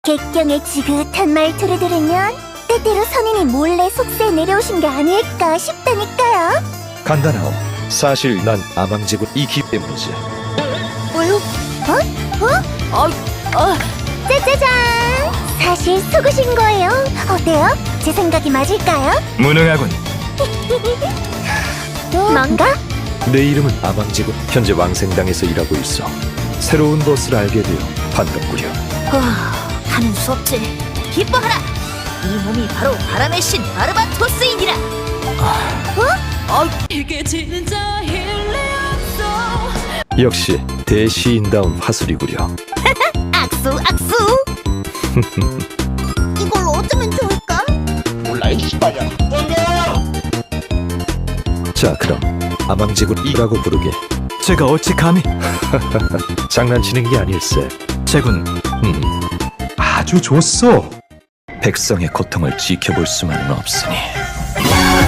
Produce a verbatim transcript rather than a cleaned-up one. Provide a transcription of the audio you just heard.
객경의 지긋한 말투를 들으면 때때로 선인이 몰래 속세에 내려오신 게 아닐까 싶다니까요. 간단하오. 사실 난 아망제군 이기 때문이지. 어? 어? 어? 어? 짜자잔! 사실 속으신 거예요. 어때요? 제 생각이 맞을까요? 무능하군. 뭔가? 내 이름은 아망제군. 현재 왕생당에서 일하고 있어. 새로운 것을 알게 되어 반갑구려. 하는 수 없지. 기뻐하라! 이 몸이 바로 바람의 신 바르바토스이니라! 어? 이게 진짜 일리 없어. 역시 대시인다운 화술이구려. 악수 악수! 이걸 어쩌면 좋을까? 자, 그럼 아망제군 이라고 부르게. 제가 어찌 감히? 장난치는 게 아닐세. 제군, 음, 아주 좋소. 백성의 고통을 지켜볼 수만은 없으니.